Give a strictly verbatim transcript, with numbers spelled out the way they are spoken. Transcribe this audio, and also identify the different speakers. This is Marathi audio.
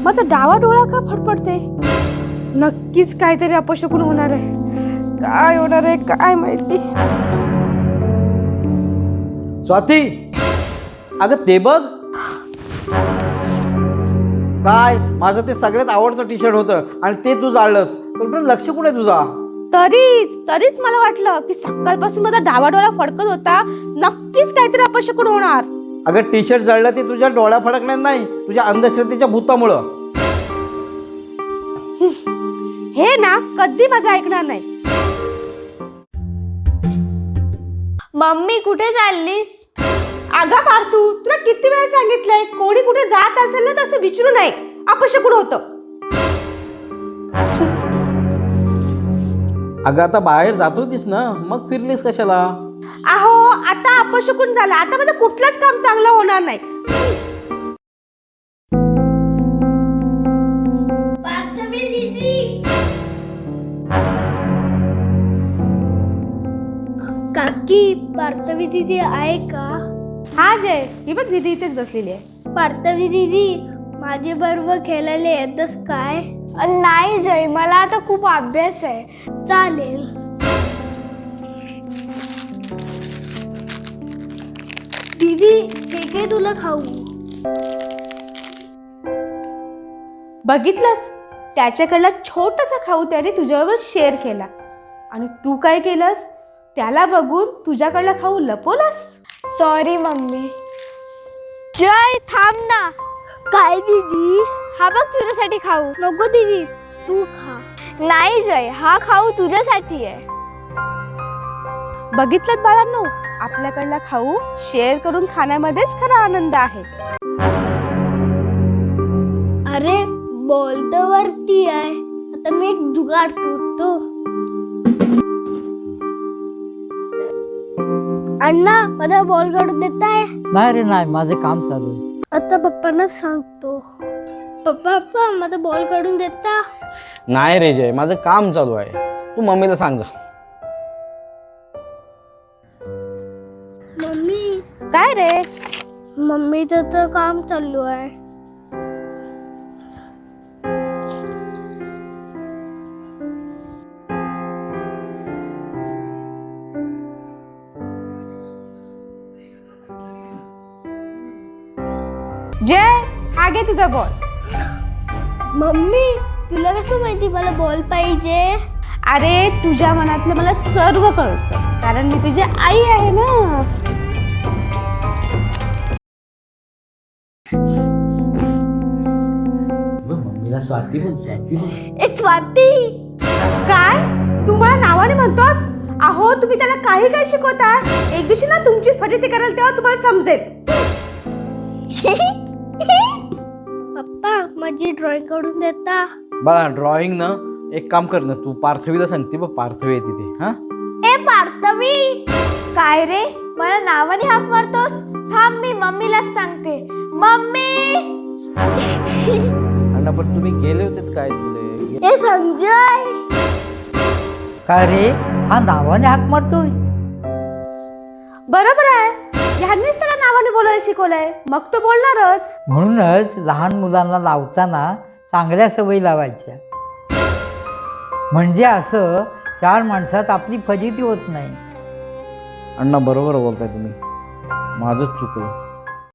Speaker 1: माझा डावा डोळा का फडफडते? नक्कीच काहीतरी अपशकुन होणार आहे. काय होणार आहे काय माहिती.
Speaker 2: स्वाती, अगं ते बघ. काय, माझं ते सगळ्यात आवडतं टी शर्ट होतं आणि ते तू जाळलंस. कुठं लक्ष कुठे तुझा?
Speaker 1: तरीच तरीच मला वाटलं की सकाळपासून माझा डावा डोळा फडकत होता. नक्कीच काहीतरी अपशकुन होणार.
Speaker 2: अगं टी शर्ट जळलं ते तुझ्या डोळ्या फडकण्यात नाही, तुझ्या अंधश्रद्धेच्या भूतामुळं.
Speaker 1: हे ना कधी माझं ऐकणार नाही.
Speaker 3: मम्मी कुठे चाललीस?
Speaker 1: अगं पार्थू, तुला किती वेळ सांगितलंय कोणी कुठे जात असेल ना तसं विचारू नये. अपशकुन होतं.
Speaker 2: अगं आता बाहेर जात होतीस ना, मग फिरलीस कशाला?
Speaker 1: अहो आता अपशकुन झालं. आता माझं कुठलंच काम चांगलं होणार नाही.
Speaker 3: काकी, पार्थवी दीदी आहे का?
Speaker 1: हा जय, ही बघ दीदी इथेच बसलेली आहे.
Speaker 3: पार्थवी दीदी, माझे बरोबर खेळायला येतस काय? नाही जय, मला आता खूप अभ्यास आहे. चालेल. दीदी, हे काय तुला खाऊ?
Speaker 1: बघितलंस, त्याच्याकडला छोटासा खाऊ त्याने तुझ्याबरोबर शेअर केला आणि तू काय केलंस? त्याला बघून तुझ्याकडला खाऊ लपवलास.
Speaker 3: Sorry mummy. जय थांब ना. काय दीदी? हा बघ तुझ्यासाठी खाऊ. नको दीदी, तू खा. नाही जय, हा खाऊ तुझ्यासाठी आहे.
Speaker 1: बघितलं बाळांनो, आपल्याकडला खाऊ शेअर करून खाण्यामध्येच खरा आनंद आहे.
Speaker 3: अरे बॉल तर वरती आहे. आता मी एक जुगाड करतो. अण्णा, माझा बॉल काढून देताय?
Speaker 4: नाही रे नाही, माझं काम चालू आहे.
Speaker 3: आता पप्पांना सांगतो. पप्पा पप्पा माझा बॉल काढून देता?
Speaker 2: नाही रे जय, माझं काम चालू आहे. तू मम्मीला सांग जा.
Speaker 3: मम्मी,
Speaker 1: काय रे?
Speaker 3: मम्मीचं तर काम चालू आहे.
Speaker 1: जय, हा घे तुझा बॉल.
Speaker 3: मम्मी, तुला कसं माहिती मला बॉल पाहिजे?
Speaker 1: अरे तुझ्या मनातलं मला सर्व कळतं, कारण मी तुझी आई आहे ना.
Speaker 2: मम्मीला स्वाती बोल, स्वाती बोल.
Speaker 3: एक स्वाती.
Speaker 1: काय तू मला नावाने म्हणतोस? अहो तुम्ही त्याला काही काय शिकवता. एक दिवशी ना तुमचीच फजिती कराल तेव्हा तुम्हाला समजेल.
Speaker 3: पप्पा, माझी ड्रॉइंग काढून देता?
Speaker 2: बाळा ड्रॉइंग ना, एक काम कर ना, तू पार्थवीला सांगते बघ, पार्थवी आहे तिथे. हा
Speaker 3: ए पार्थवी. काय रे, मला नावाने हाक मारतोस? थांब, मी मम्मीलाच सांगते. मम्मी.
Speaker 2: अण्णा पण तुम्ही गेले होते काय तुले?
Speaker 3: ए संजय.
Speaker 4: काय रे, हा नावाने हाक मारतोय?
Speaker 1: बरोबर आहे, ह्यांनीच त्याला नावाने बोलायला शिकवलंय, मग तो बोलणारच.
Speaker 4: म्हणूनच लहान मुलांना लावताना चांगल्या सवयी लावायच्या, म्हणजे असं चार माणसात आपली फजिती होत नाही.
Speaker 2: अण्णा बरोबर बोलताय तुम्ही, माझंच चुकलं.